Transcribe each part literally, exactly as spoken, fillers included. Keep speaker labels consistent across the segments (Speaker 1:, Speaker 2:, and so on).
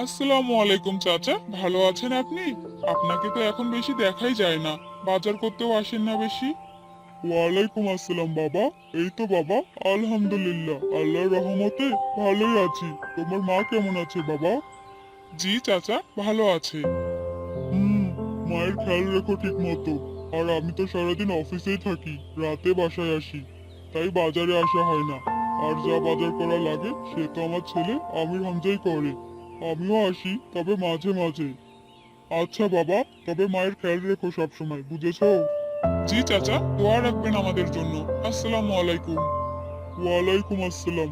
Speaker 1: আসসালামু আলাইকুম চাচা, ভালো আছেন আপনি? আপনাকে তো এখন বেশি দেখাই যায় না, বাজার করতেও আসেন না বেশি। ওয়ালাইকুম আসসালাম বাবা। এই তো বাবা, আলহামদুলিল্লাহ, আল্লাহর রহমতে ভালোই আছি। তোমার মা কেমন আছে বাবা? জি চাচা, ভালো আছে। হুম, মায়ের খেয়াল রেখো ঠিক মতো। আর আমি তো সারাদিন অফিসেই থাকি, রাতে বাসায় আসি, তাই বাজারে আসা হয় না। আর যা বাজার করা লাগে সে তো আমার ছেলে আমির হামজাই করে। আমিও আসি, তবে মাঝে মাঝে। আচ্ছা বাবা, তবে মায়ের খেয়াল রেখো সব সময়, বুঝেছো? জি চাচা, দোয়া রাখবেন আমাদের জন্য। আসসালামু আলাইকুম। ওয়ালাইকুম আসসালাম।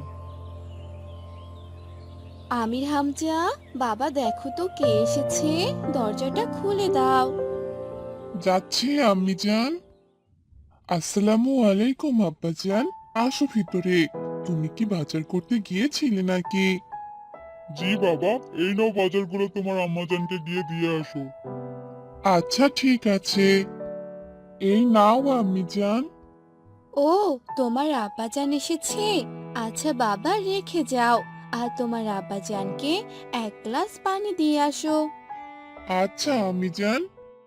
Speaker 2: আমির হামজা, বাবা দেখো তো কে এসেছে। দরজাটা খুলে দাও।
Speaker 1: যাচ্ছি আম্মি জান। আসসালামু আলাইকুম আব্বাজান, আসো ভিতরে। তুমি কি বাজার করতে গিয়েছিলে নাকি? জি বাবা, এই নাও বাজারগুলো তোমার আম্মাজানকে গিয়ে দিয়ে আসো। আচ্ছা ঠিক আছে, এই নাও আম্মি জান।
Speaker 2: ও, তোমার আব্বাজান এসেছে। আচ্ছা বাবা, রেখে যাও। আর তোমার আব্বাজানকে এক গ্লাস পানি দিয়ে আসো।
Speaker 1: আচ্ছা আম্মি জান।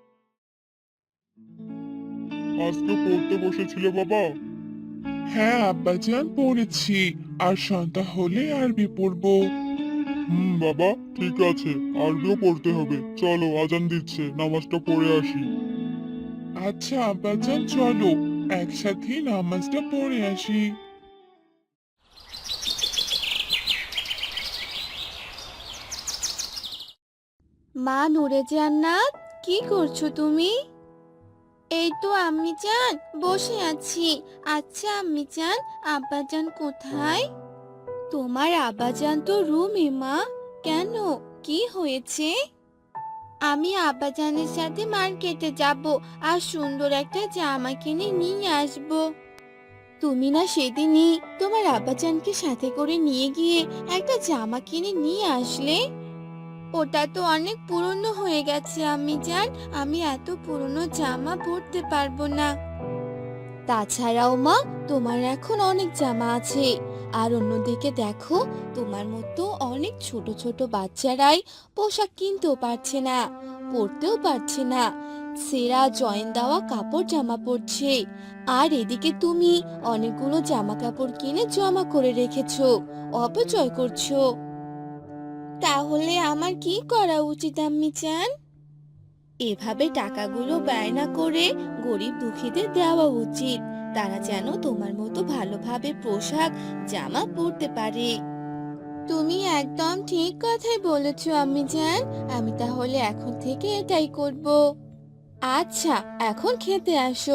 Speaker 1: আজকে পড়তে বসেছিলে বাবা? হ্যাঁ আব্বাজান, পড়েছি। আর সন্ধ্যা হলে আরবি পড়বো। হুম বাবা, ঠিক আছে, আরবিও পড়তে হবে। চলো, আজান দিচ্ছে, নামাজটা পড়ে আসি। আচ্ছা আব্বাজান, চলো একসাথে নামাজটা পড়ে আসি।
Speaker 2: মা নূরে জান্নাত, কি করছো তুমি? এই তো আম্মি জান, বসে আছি। আচ্ছা আম্মি জান, আব্বাজান কোথায়? তোমার আব্বাজান তো রুমে মা। কেন, কি হয়েছে? আমি আব্বাজানের সাথে মার্কেটে যাব আর সুন্দর একটা জামা কিনে নিয়ে আসব। তুমি না সেদিনই তোমার আব্বাজানকে সাথে করে নিয়ে গিয়ে একটা জামা কিনে নিয়ে আসলে। ওটা তো অনেক পুরনো হয়ে গেছে আম্মি জান। আমি এত পুরনো জামা পরতে পারবো না। তাছাড়াও মা, তোমার এখন অনেক জামা আছে। আর অন্যদিকে দেখো, তোমার মতো অনেক ছোট ছোট বাচ্চারাই পোশাক কিনতেও পারছে না, পরতেও পারছে না। ছেঁড়া জয়েন দেওয়া কাপড় জামা পরছে। আর এদিকে তুমি অনেকগুলো জামা কাপড় কিনে জমা করে রেখেছো, অপচয় করছো। তাহলে আমার কি করা উচিত আম্মি জান? এভাবে টাকাগুলো ব্যয় না করে গরিব দুঃখীদের দেওয়া উচিত। তারা যেন তোমার মতো ভালোভাবে পোশাক জামা পরতে পারে। তুমি একদম ঠিক কথাই বলেছো আম্মি জান। আমি তাহলে এখন থেকে এটাই করব। আচ্ছা, এখন খেতে আসো।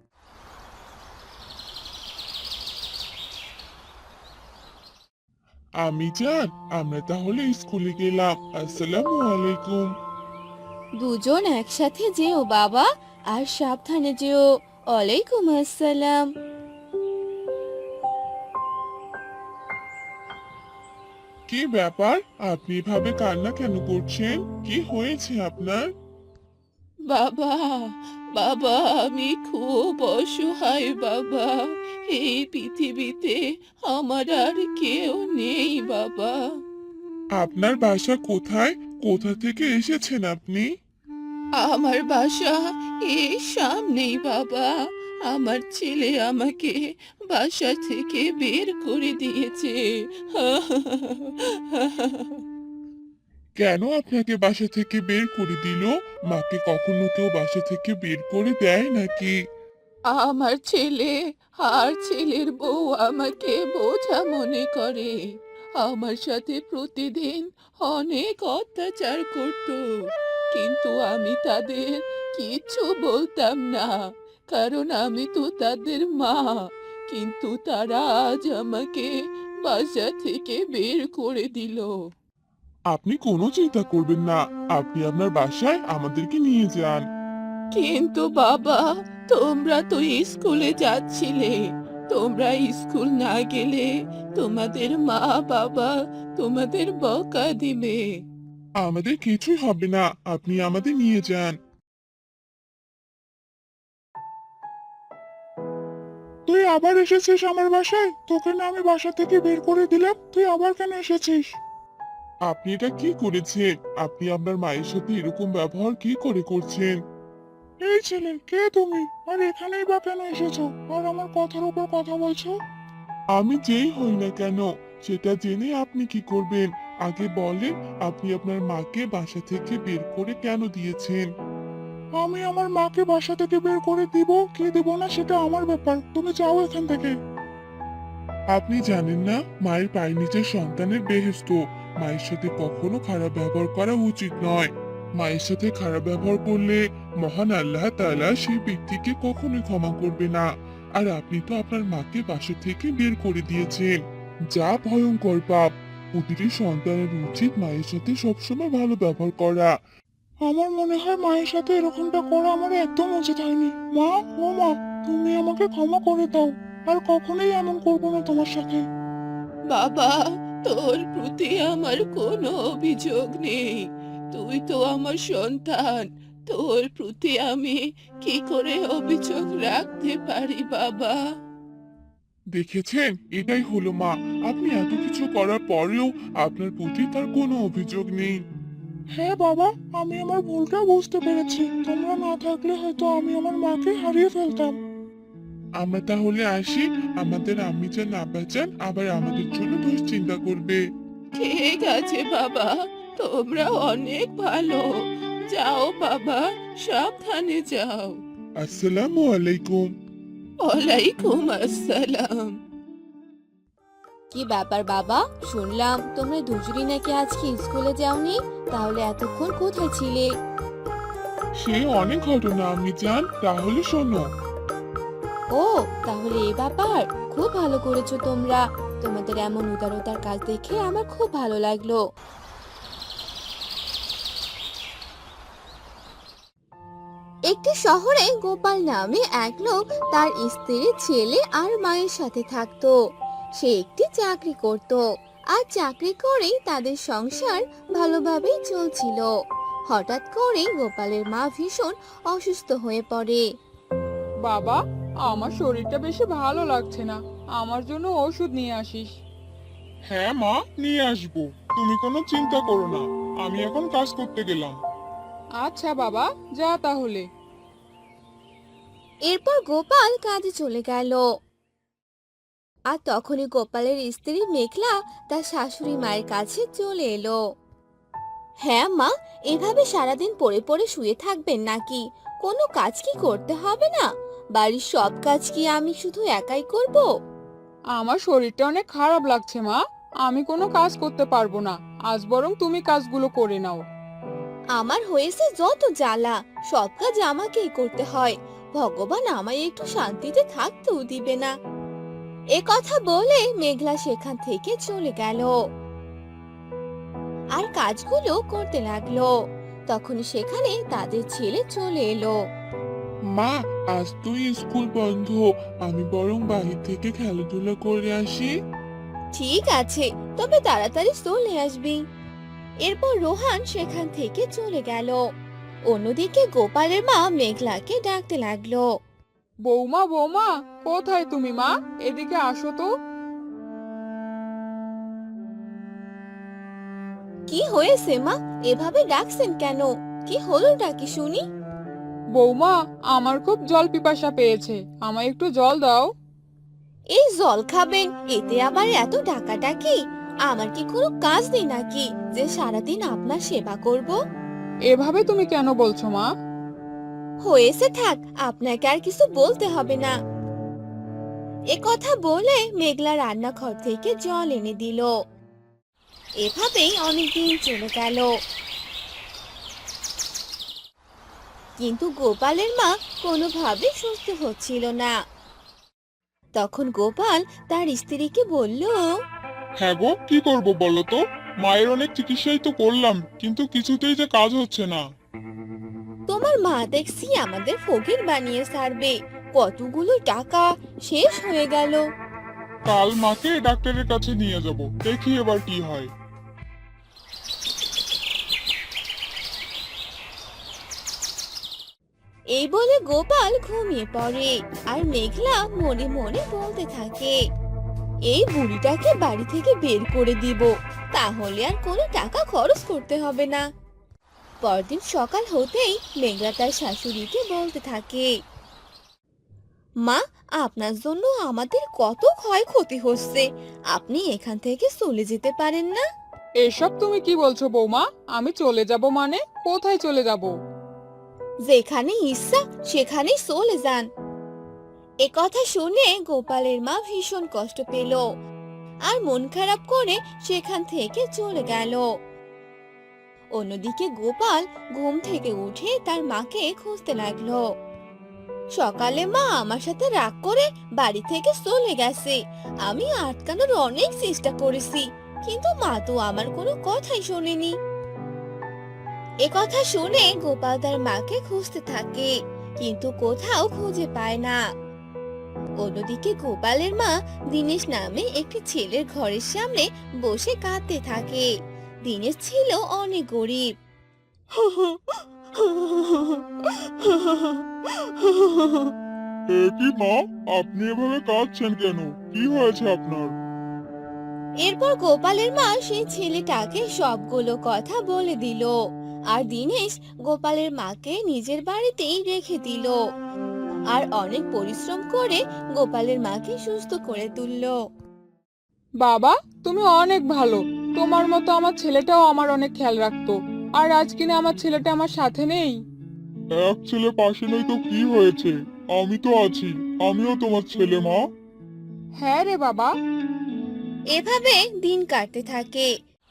Speaker 1: আমি জান, আমরা তাহলে স্কুলে গেলাম। আসসালামু আলাইকুম।
Speaker 2: দুজন একসাথে যেও বাবা। আর সাবধানে যেও। ওয়ালাইকুম আসসালাম।
Speaker 1: কি ব্যাপার, আপনি এভাবে কান্না কেন করছেন? কি হয়েছে আপনার?
Speaker 3: বাবা, বাবা, আমি খুব অসহায় বাবা। এই পৃথিবীতে আমার আর কেউ নেই বাবা।
Speaker 1: আপনার বাসা কোথায়? কোথা থেকে এসেছেন আপনি?
Speaker 3: আমার বাসা এই সামনেই বাবা। আমার ছেলে আমাকে বাসা থেকে বের করে দিয়েছে।
Speaker 1: কেন আপনাকে বাসা থেকে বের করে দিল? মাকে কখনো কেউ বাসা থেকে বের করে দেয় নাকি?
Speaker 3: আমার ছেলে আর ছেলের বউ আমাকে বোঝা মনে করে। আমার সাথে প্রতিদিন অনেক অত্যাচার করত, কিন্তু আমি তাদের কিচ্ছু বলতাম না, কারণ আমি তো তাদের মা। কিন্তু তারা আজ আমাকে বাসা থেকে বের করে দিল।
Speaker 1: আপনি কোনো চিন্তা করবেন না, আপনি আপনার বাসায় আমাদেরকে নিয়ে যান।
Speaker 3: কিন্তু বাবা, তোমরা তো স্কুলে যাচ্ছিলে। তোমরা স্কুল না গেলে তোমাদের মা বাবা তোমাদের বকা দিবে।
Speaker 1: আমাদের কিছুই হবে না, আপনি আমাদের নিয়ে যান। তুই আবার এসেছিস আমার বাসায়? তোকে না আমি বাসা থেকে বের করে দিলাম, তুই আবার কেন এসেছিস? আপনি এটা কি করেছেন? আপনি আপনার মায়ের সাথে এরকম ব্যবহার কি করে করছেন? এই ছেলে, কে তুমি? আর এখানেই বা কেন এসেছো? আর আমার কথার উপর কথা বলছো? আমি যেই হই না কেন, সেটা জেনে আপনি কি করবেন? আগে বলেন, আপনি আপনার মাকে বাসা থেকে বের করে কেন দিয়েছেন? আমি আমার মাকে বাসা থেকে বের করে দিব কি দিব না সেটা আমার ব্যাপার, তুমি যাও এখান থেকে। আপনি জানেন না, মায়ের পায়ের নিচের সন্তানের বেহেশত। মায়ের সাথে কখনো খারাপ ব্যবহার করা উচিত নয়। মায়ের সাথে খারাপ ব্যবহার করলে মহান আল্লাহ তাআলা সেই ব্যক্তিকে কখনোই ক্ষমা করবে না। আর আপনি তো আপনার মাকে বাসা থেকে বের করে দিয়েছেন, যা ভয়ঙ্কর পাপ। প্রতিটি সন্তানের উচিত মায়ের সাথে সবসময় ভালো ব্যবহার করা। আমার মনে হয় মায়ের সাথে এরকমটা করা আমার একদম উচিত হয়নি। মা, ও মা, তুমি আমাকে ক্ষমা করে দাও। আর কখনোই এমন করবো না তোমার সাথে।
Speaker 3: বাবা, তোর প্রতি আমার কোনো অভিযোগ নেই। তুই তো আমার সন্তান। তোর প্রতি আমি কি করে অভিযোগ রাখতে পারি বাবা?
Speaker 1: দেখেছেন, এটাই হলো মা। আপনি এত কিছু করার পরেও আপনার প্রতি তার কোনো অভিযোগ নেই। হ্যাঁ বাবা, আমি আমার ভুলটা বুঝতে পেরেছি। তোমরা না থাকলে হয়তো আমি আমার মাকে হারিয়ে ফেলতাম। আমরা তাহলে আসি। আমাদের আম্মি চান আব্বা চান আবার আমাদের জন্য দুশ্চিন্তা করবে।
Speaker 3: ঠিক আছে বাবা, তোমরা অনেক ভালো। যাও বাবা, সাবধানে যাও।
Speaker 1: আসসালামু আলাইকুম।
Speaker 3: ওয়ালাইকুম আসসালাম।
Speaker 2: কি ব্যাপার বাবা, শুনলাম তোমরা দুজনই নাকি আজকে স্কুলে যাওনি? তাহলে এতক্ষণ কোথায় ছিলে?
Speaker 1: সে অনেক ঘটনা আম্মি চান, তাহলে শোনো।
Speaker 2: ও, তাহলে এই ব্যাপার। খুব ভালো করেছো তোমরা। তোমাদের এমন উদারতার কাজ দেখে আমার খুব ভালো লাগলো। একটি শহরে গোপাল নামে এক লোক তার স্ত্রী, ছেলে আর মায়ের সাথে থাকতো। সে একটি চাকরি করত, আর চাকরি করেই তাদের সংসার ভালোভাবেই চলছিল। হঠাৎ করে গোপালের মা ভীষণ অসুস্থ হয়ে পড়ে।
Speaker 4: বাবা, আমার শরীরটা বেশি ভালো লাগছে না। আমার জন্য ওষুধ নিয়ে আসিস।
Speaker 1: হ্যাঁ মা, নিয়ে আসবো। তুমি কোনো চিন্তা করো না, আমি এখন কাজ করতে গেলাম।
Speaker 4: আচ্ছা বাবা, যা তাহলে।
Speaker 2: এরপর গোপাল কাজে চলে গেল। আর তখনই গোপালের স্ত্রী মেঘলা তার শাশুড়ি মায়ের কাছে চলে এলো। হ্যাঁ মা, এভাবে সারাদিন পড়ে পড়ে শুয়ে থাকবেন নাকি? কোনো কাজ কি করতে হবে না? বাড়ির সব কাজ কি আমি শুধু একাই করব?
Speaker 4: আমার শরীরটা অনেক খারাপ লাগছে মা। আমি কোনো কাজ করতে পারবো না। আজ বরং তুমি কাজগুলো করে নাও।
Speaker 2: আমার হয়েছে যত জ্বালা, সব কাজ আমাকেই করতে হয়। ভগবান আমায় একটু শান্তিতে থাকতেও দিবে না। এ কথা বলে মেঘলা সেখান থেকে চলে গেল আর কাজগুলো করতে লাগলো। তখন সেখানে তাদের ছেলে চলে এলো।
Speaker 1: মা, আজ তুই স্কুল বন্ধ, আমি বরং বাহির থেকে খেলাধুলা করে আসি।
Speaker 2: ঠিক আছে, তবে তাড়াতাড়ি চলে আসবি। এরপর রোহান সেখান থেকে চলে গেল। অন্যদিকে গোপালের মা মেঘলাকে ডাকতে লাগলো।
Speaker 4: বৌমা, বৌমা, কোথায় তুমি মা? এদিকে আসো তো।
Speaker 2: কি হয়েছে মা, এভাবে ডাকছেন কেন? কি হলোটা কি শুনি?
Speaker 4: বৌমা, আমার খুব জল পিপাসা পেয়েছে। আমায় একটু জল দাও।
Speaker 2: এই জল খাবেন, এতে আবার এত ডাকাডাকি? আমার কি কোনো কাজ নেই নাকি যে সারাদিন আপনার সেবা করব?
Speaker 4: এভাবে তুমি কেন বলছো মা?
Speaker 2: হয়েছে, থাক, আপনাকে আর কিছু বলতে হবে না। এ কথা বলে মেঘলা রান্নাঘর থেকে জল এনে দিল। এভাবেই অনেকদিন চলে গেল, কিন্তু গোপালের মা কোনোভাবে সুস্থ হচ্ছিল না। তখন গোপাল তার স্ত্রীকে বলল,
Speaker 1: হ্যাঁ গো, কি করব বলো তো? মায়ের অনেক চিকিৎসাই তো করলাম, কিন্তু কিছুতেই যে কাজ হচ্ছে না।
Speaker 2: তোমার মা দেখছি আমাদের ফকির বানিয়ে ছাড়বে। কতগুলো টাকা শেষ হয়ে গেল।
Speaker 1: কাল মাকে ডাক্তারের কাছে নিয়ে যাব, দেখি এবার কি হয়।
Speaker 2: এই বলে গোপাল ঘুমিয়ে পড়ে, আর মেঘলা মনে মনে বলতে থাকে, এই বুড়িটাকে বাড়ি থেকে বের করে দিব, তাহলে আর কোনো টাকা খরচ করতে হবে না। পরদিন সকাল হতেই মেঘলা তার শাশুড়িকে বলতে থাকে, মা, আপনার জন্য আমাদের কত ক্ষয়ক্ষতি হচ্ছে, আপনি এখান থেকে চলে যেতে পারেন না?
Speaker 4: এসব তুমি কি বলছো বৌমা? আমি চলে যাব মানে? কোথায় চলে যাব?
Speaker 2: যেখানে ইচ্ছা সেখানেই চলে যান। এ কথা শুনে গোপালের মা ভীষণ কষ্ট পেল আর মন খারাপ করে সেখান থেকে চলে গেল। অন্যদিকে গোপাল ঘুম থেকে উঠে তার মাকে খুঁজতে লাগলো। সকালে মা আমার সাথে রাগ করে বাড়ি থেকে চলে গেছে, আমি আটকানোর অনেক চেষ্টা করেছি, কিন্তু মা তো আমার কোনো কথাই শোনেনি। এ কথা শুনে গোপাল তার মাকে খুঁজতে থাকে, কিন্তু কোথাও খুঁজে পায় না। অন্যদিকে গোপালের মা দিনেশ নামে একটি ছেলের ঘরের সামনে বসে কাঁদতে থাকে। দিনেশ ছিল অনেক গরিব।
Speaker 1: এ কি মা, আপনি এভাবে কাঁদছেন কেন? কি হয়েছে আপনার?
Speaker 2: এরপর গোপালের মা সেই ছেলেটাকে সবগুলো কথা বলে দিল, আর দিনেশ গোপালের মাকে নিজের বাড়িতেই রেখে দিল আর অনেক পরিশ্রম করে গোপালের মাকে সুস্থ করে তুললো।
Speaker 4: বাবা, তুমি অনেক ভালো। তোমার মতো আমার ছেলেটাও আমার অনেক খেয়াল রাখতো। আর আজ কিনা আমার ছেলেটা আমার সাথে নেই।
Speaker 1: এক ছেলে পাশে নেই তো কি হয়েছে? আমি তো আছি, আমিও তোমার ছেলে মা।
Speaker 4: হ্যাঁ রে বাবা।
Speaker 2: এভাবে দিন কাটতে থাকে।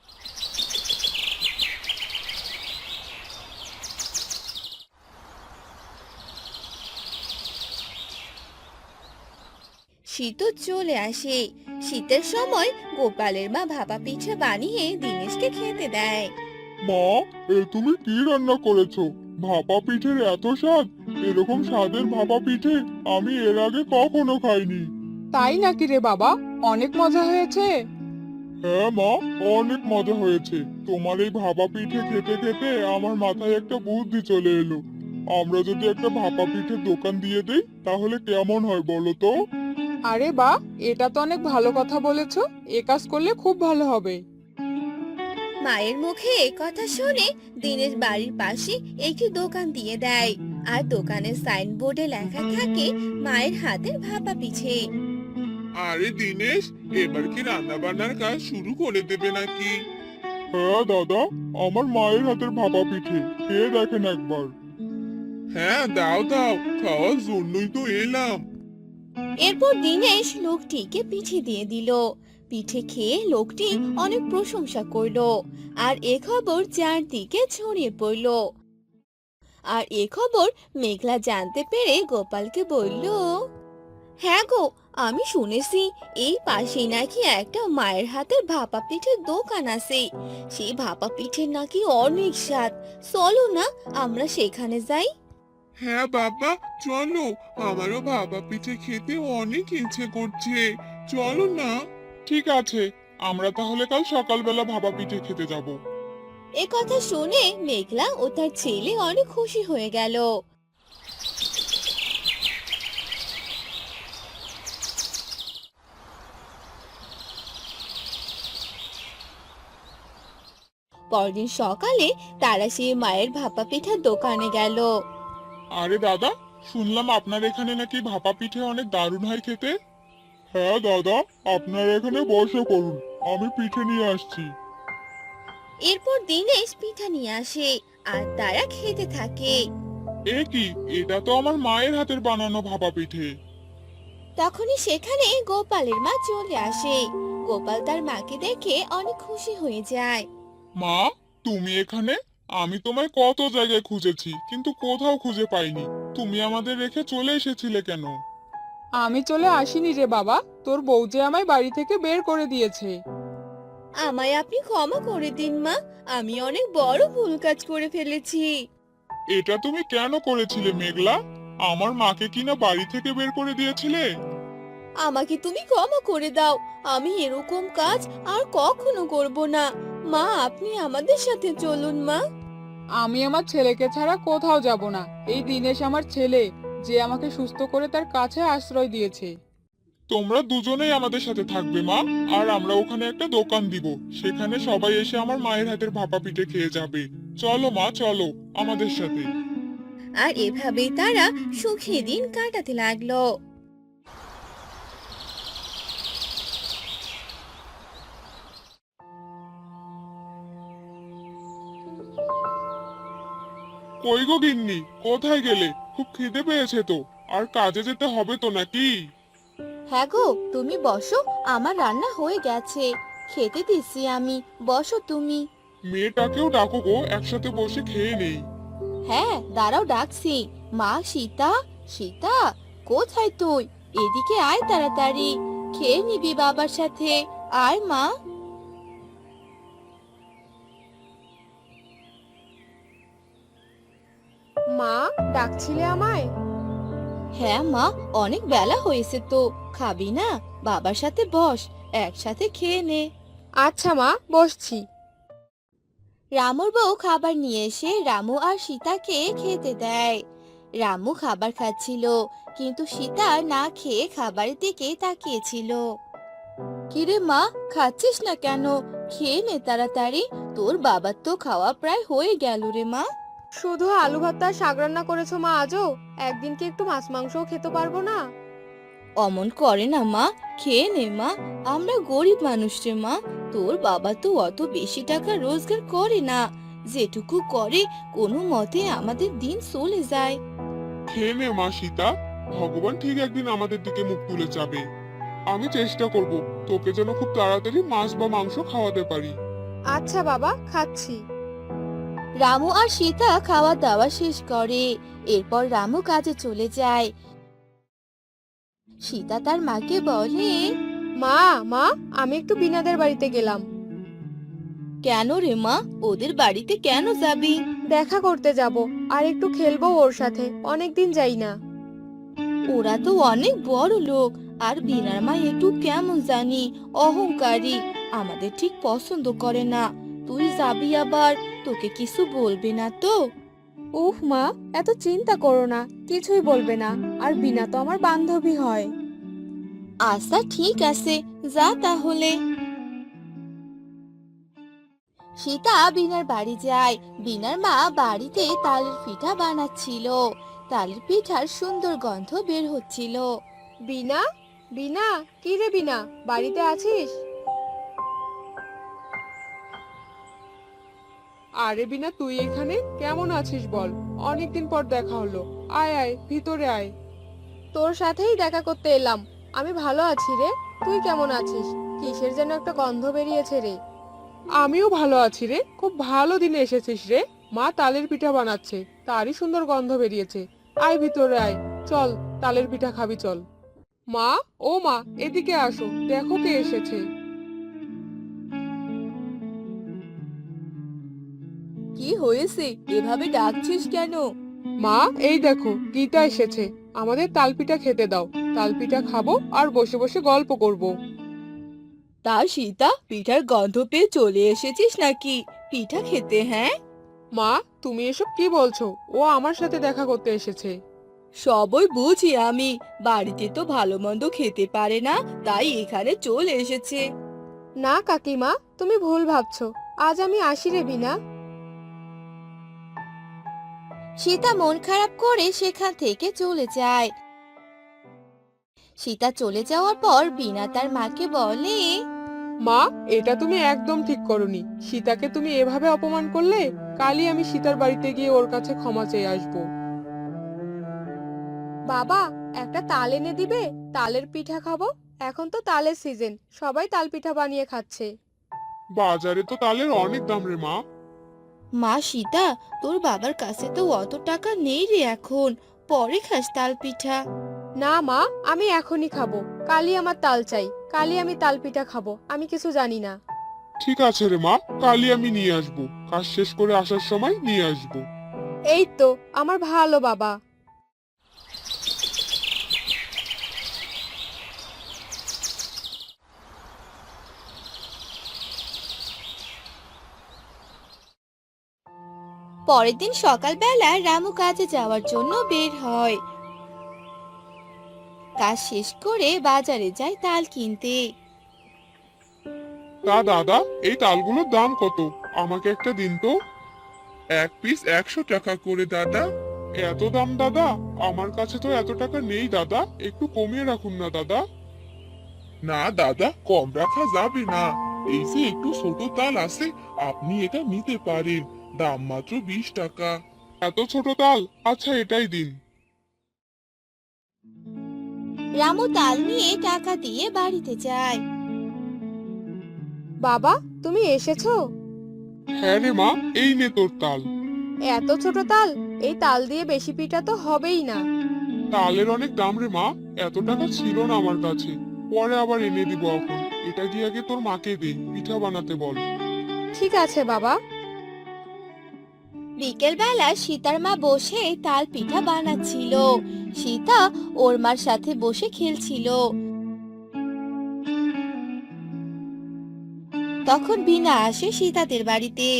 Speaker 2: শীতও চলে আসে। শীতের সময় গোপালের মা ভাপা পিঠে বানিয়ে দিনেশকে খেতে দেয়।
Speaker 1: মা, এ তুমি কি রান্না করেছো? ভাপা পিঠের এত স্বাদ! এরকম স্বাদের ভাপা পিঠে আমি এর আগে কখনো খাইনি।
Speaker 4: তাই নাকি রে বাবা? অনেক মজা হয়েছে।
Speaker 1: হ্যাঁ মা, অনেক মজা হয়েছে। তোমার এই ভাপা পিঠে খেতে খেতে আমার মাথায় একটা বুদ্ধি চলে এলো। আমরা যদি একটা ভাপা পিঠের দোকান দিয়ে দেই তাহলে কেমন হয় বলো তো?
Speaker 4: আরে বাহ, এটা তো অনেক ভালো কথা বলেছো। এ কাজ করলে খুব ভালো হবে।
Speaker 2: মায়ের মুখে এ কথা শুনে দিনেশ বাড়ির পাশে একটি দোকান দিয়ে দেয়, আর দোকানের সাইনবোর্ডে লেখা থাকে মায়ের হাতের ভাপা পিঠে।
Speaker 1: আরে দিনেশ, এবার কি রান্না বান্নার কাজ শুরু করে দেবে নাকি? হ্যাঁ দাদা, আমার মায়ের হাতের ভাপা পিঠে খেয়ে দেখেন একবার। হ্যাঁ দাও দাও, খাওয়ার জন্যই তো এলাম।
Speaker 2: এরপর দিনেশ লোকটিকে পিঠে দিয়ে দিল। পিঠে খেয়ে লোকটি অনেক প্রশংসা করলো, আর এ খবর চারদিকে ছড়িয়ে পড়লো। আর এ খবর মেঘলা জানতে পেরে গোপালকে বলল, হ্যাঁ গো, আমি শুনেছি এই পাশেই নাকি একটা মায়ের হাতের ভাপা পিঠের দোকান আছে। সেই ভাপা পিঠের নাকি অনেক স্বাদ, চলো না আমরা সেখানে যাই।
Speaker 1: হ্যাঁ বাবা, চলো, আমারও ভাপা পিঠে খেতে অনেক ইচ্ছে করছে। চলো না। ঠিক আছে, আমরা তাহলে কাল সকালবেলা ভাপা পিঠে খেতে যাব।
Speaker 2: এ কথা শুনে মেঘলা ও তার ছেলে অনেক খুশি হয়ে গেল। পরদিন সকালে তারা সেই মায়ের ভাপা পিঠার দোকানে গেল।
Speaker 1: আরে দাদা, শুনলাম আপনার এখানে নাকি ভাপা পিঠে অনেক দারুণ হয় খেতে। হ্যাঁ দাদা, আপনার এখানে বসে করুন, আমি পিঠে নিয়ে আসছি।
Speaker 2: এরপর দিনেশ পিঠা নিয়ে আসে আর তারা খেতে থাকে।
Speaker 1: এ কি, এটা তো আমার মায়ের হাতের বানানো ভাপা পিঠে।
Speaker 2: তখনই সেখানে গোপালের মা চলে আসে। গোপাল তার মাকে দেখে অনেক খুশি হয়ে যায়।
Speaker 1: মা, তুমি এখানে? আমি তোমায় কত জায়গায় খুঁজেছি কিন্তু কোথাও খুঁজে পাইনি। তুমি আমাদের রেখে চলে এসেছিলে কেন?
Speaker 4: আমি চলে আসিনি রে বাবা, তোর বউ যে আমায় বাড়ি থেকে বের করে দিয়েছে।
Speaker 2: আমায় আপনি ক্ষমা করে দিন মা, আমি অনেক বড় ভুল কাজ করে ফেলেছি।
Speaker 1: এটা তুমি কেন করেছিলে মেঘলা? আমার মাকে কিনা বাড়ি থেকে বের করে দিয়েছিলে?
Speaker 2: আমাকে তুমি ক্ষমা করে দাও, আমি এরকম কাজ আর কখনো করব না। মা, আপনি আমাদের সাথে চলুন মা।
Speaker 4: আমি আমার ছেলেকে ছাড়া কোথাও যাব না। এই দিনেশ আমার ছেলে, যে আমাকে সুস্থ করে তার কাছে আশ্রয় দিয়েছে।
Speaker 1: তোমরা দুজনেই আমাদের সাথে থাকবে মা, আর আমরা ওখানে একটা দোকান দিব, সেখানে সবাই এসে আমার মায়ের হাতের ভাপা পিঠে খেয়ে যাবে। চলো মা, চলো আমাদের সাথে।
Speaker 2: আর এভাবেই তারা সুখী দিন কাটাতে লাগলো।
Speaker 1: কই গো গিন্নি, কোথায় গেলে? খুব খিদে পেয়েছে তো, আর কাজে যেতে হবে তো নাকি?
Speaker 2: হ্যাঁ গো, তুমি বসো, আমার রান্না হয়ে গেছে, খেতে দিচ্ছি আমি, বসো তুমি।
Speaker 1: মেয়েটাকেও ডাকো গো, একসাথে বসে খেয়ে নেই।
Speaker 2: হ্যাঁ দাঁড়াও, ডাকছি। মা সীতা, সীতা, কোথায় তুই? এদিকে আয় তাড়াতাড়ি, খেয়ে নিবি বাবার সাথে, আয় মা।
Speaker 5: মা, ডাকছিলে আমায়?
Speaker 2: হ্যাঁ মা, অনেক বেলা হয়েছে তো, খাবি না? বাবার সাথে বস, একসাথে খেয়ে নে।
Speaker 5: আচ্ছা মা, বসছি।
Speaker 2: রামুর বউ খাবার নিয়ে এসে রামু আর সীতাকে খেতে দেয়। রামু খাবার খাচ্ছিল, কিন্তু সীতা না খেয়ে খাবারের দিকে তাকিয়েছিল। কিরে মা, খাচ্ছিস না কেন? খেয়ে নে তাড়াতাড়ি, তোর বাবার তো খাওয়া প্রায় হয়ে গেল রে মা।
Speaker 5: শুধু আলু ভাত আর শাক রান্না করেছো মা আজও? একদিন কি একটু মাছ মাংসও খেতে পারবো না?
Speaker 2: অমন করে না মা, খেয়ে নে মা, আমরা গরিব মানুষ রে মা, তোর বাবা তো অত বেশি টাকা রোজগার করে না, যেটুকু করে কোনো মতে আমাদের দিন চলে যায়।
Speaker 1: খেয়ে নে মা সীতা, ভগবান ঠিক একদিন আমাদের দিকে মুখ তুলে যাবে। আমি চেষ্টা করব তোকে যেন খুব তাড়াতাড়ি মাছ বা মাংস খাওয়াতে পারি।
Speaker 5: আচ্ছা বাবা, খাচ্ছি।
Speaker 2: রামু আর সীতা খাওয়া দাওয়া শেষ করে, এরপর রামু কাজে চলে যায়। সীতা তার মাকে বলে,
Speaker 5: মা, মা, আমি একটু বিনাদের বাড়িতে গেলাম।
Speaker 2: কেন রে মা, ওদের বাড়িতে কেন যাবি?
Speaker 5: দেখা করতে যাব, আর একটু খেলবো ওর সাথে, অনেকদিন যাই না।
Speaker 2: ওরা তো অনেক বড় লোক, আর বিনার মা একটু কেমন জানি অহংকারী, আমাদের ঠিক পছন্দ করে না। তুই যাবি আবার, তোকে কিছু বলবে না তো?
Speaker 5: উফ মা, এত চিন্তা করো না, কিছুই বলবে না। আর বিনা তো আমার বান্ধবী হয়।
Speaker 2: আচ্ছা ঠিক আছে, যা তাহলে। সীতা বিনার বাড়ি যায়। বিনার মা বাড়িতে তালের পিঠা বানাচ্ছিল, তালের পিঠার সুন্দর গন্ধ বের হচ্ছিল।
Speaker 5: বিনা, বিনা, কি রে বিনা, বাড়িতে আছিস?
Speaker 4: আরে বিনা, তুই এখানে কেমন আছিস বল? অনেকদিন পর দেখা হলো, আয় আয় ভিতরে আয়।
Speaker 5: তোর সাথেই দেখা করতে এলাম। আমি ভালো আছি রে, তুই কেমন আছিস? কিসের যেন একটা গন্ধ বেরিয়েছে রে।
Speaker 4: আমিও ভালো আছি রে, খুব ভালো দিনে এসেছিস রে। মা তালের পিঠা বানাচ্ছে, তারই সুন্দর গন্ধ বেরিয়েছে। আয় ভিতরে আয়, চল তালের পিঠা খাবি চল। মা, ও মা, এদিকে আসো, দেখো কে এসেছে।
Speaker 2: কি হয়েছে, এভাবে ডাকছিস কেন?
Speaker 4: মা, এই দেখো গীতা এসেছে, আমাদের তালপিঠা খেতে দাও। তালপিঠা খাবো আর বসে বসে গল্প করব।
Speaker 2: তা সীতা, পিঠার গন্ধ পেয়ে চলে এসেছিস নাকি পিঠা খেতে? হ্যাঁ,
Speaker 4: মা, তুমি এসব কি বলছো? ও আমার সাথে দেখা করতে এসেছে।
Speaker 2: সবই বুঝি আমি, বাড়িতে তো ভালো মন্দ খেতে পারে না, তাই এখানে চলে এসেছে।
Speaker 5: না কাকিমা, তুমি ভুল ভাবছো। আজ আমি আসি রে বিনা।
Speaker 2: সীতা মন খারাপ করে সেখান থেকে চলে যায়। সীতা চলে যাওয়ার পর বিনা তার মাকে বলে,
Speaker 4: মা, এটা তুমি একদম ঠিক করনি। সীতাকে তুমি এভাবে অপমান করলে। কালই আমি সীতার বাড়িতে গিয়ে ওর কাছে ক্ষমা চেয়ে আসবো।
Speaker 5: বাবা, একটা তাল এনে দিবে? তালের পিঠা খাবো। এখন তো তালের সিজন, সবাই তাল পিঠা বানিয়ে খাচ্ছে।
Speaker 1: বাজারে তো তালের অনেক দাম রে মা।
Speaker 2: মা সীতা, তোর বাবার কাছে তো অত টাকা নেই রে এখন, পরে খাস তাল পিঠা।
Speaker 5: না মা, আমি এখনই খাবো। কালই আমার তাল চাই, কালই আমি তাল পিঠা খাবো, আমি কিছু জানি না।
Speaker 1: ঠিক আছে রে মা, কালই আমি নিয়ে আসবো, কাজ শেষ করে আসার সময় নিয়ে আসবো।
Speaker 5: এই তো আমার ভালো বাবা।
Speaker 2: পরের দিন সকালবেলা রামু কাজে যাওয়ার জন্য বের হয়। কাজ শেষ করে বাজারে যায় তাল কিনতে।
Speaker 1: তা দাদা, এই তালগুলোর দাম কত? আমাকে একটা দিন তো। এক পিস একশো টাকা করে দাদা। এত দাম দাদা? আমার কাছে তো এত টাকা নেই দাদা, একটু কমিয়ে রাখুন না দাদা। না দাদা, কম রাখা যাবে না। এই যে একটু ছোট তাল আছে, আপনি এটা নিতে পারেন, দাম মাত্র বিশ টাকা। এত ছোট তাল? আচ্ছা, এটাই দিন।
Speaker 2: রামু তাল নিয়ে টাকা দিয়ে বাড়িতে যায়।
Speaker 5: বাবা, তুমি এসেছো?
Speaker 1: হ্যাঁ রে মা, এই নে তোর তাল।
Speaker 5: এত ছোট তাল, এই তাল দিয়ে বেশি পিঠা তো হবেই না।
Speaker 1: তালের অনেক দাম রে মা, এত টাকা ছিল না আমার কাছে, পরে আবার এনে দিব। এখন এটা গিয়ে আগে তোর মাকে দে, পিঠা বানাতে বল।
Speaker 5: ঠিক আছে বাবা।
Speaker 2: বিকেল বেলা সীতার মা বসে তাল পিঠা বানাচ্ছিল। সীতা ওর মার সাথে বসে খেলছিল। তখন বিনা আসে সীতাদের বাড়িতে।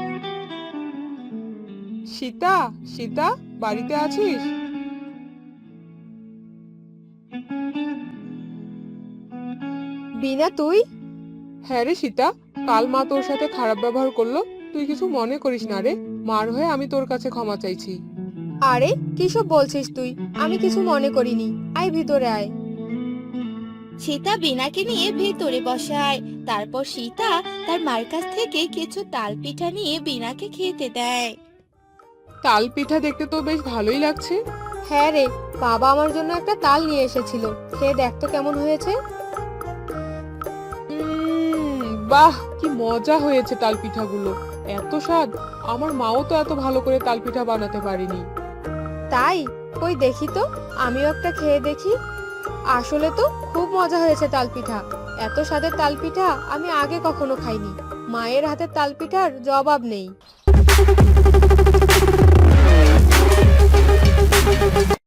Speaker 4: সীতা, সীতা, বাড়িতে আছিস?
Speaker 5: বিনা, তুই?
Speaker 4: হ্যাঁ রে সীতা, কাল মা তোর সাথে খারাপ ব্যবহার করলো, তুই কিছু মনে করিস না রে। মার হয়ে আমি তোর কাছে ক্ষমা চাইছি।
Speaker 5: আরে কিসব বলছিস তুই? আমি কিছু মনে করিনি। আয় ভিতরে আয়।
Speaker 2: সীতা বিনাকে নিয়ে ভেতরে বসায়। তারপর সীতা তার মার কাছ থেকে কিছু তাল পিঠা নিয়ে বিনাকে খেতে দেয়।
Speaker 4: তাল পিঠা দেখতে তো বেশ ভালোই লাগছে।
Speaker 5: হ্যাঁ রে, বাবা আমার জন্য একটা তাল নিয়ে এসেছিল, খেয়ে দেখ তো কেমন হয়েছে।
Speaker 4: উম, বাহ, কি মজা হয়েছে তাল পিঠাগুলো, এত স্বাদ। আমার মাও তো এত ভালো করে তাল পিঠা বানাতে পারেনি।
Speaker 5: তাই? কই দেখি তো, আমিও একটা খেয়ে দেখি। আসলে তো খুব মজা হয়েছে তাল পিঠা। এত স্বাদের তাল পিঠা আমি আগে কখনো খাইনি। মায়ের হাতের তাল পিঠার জবাব নেই।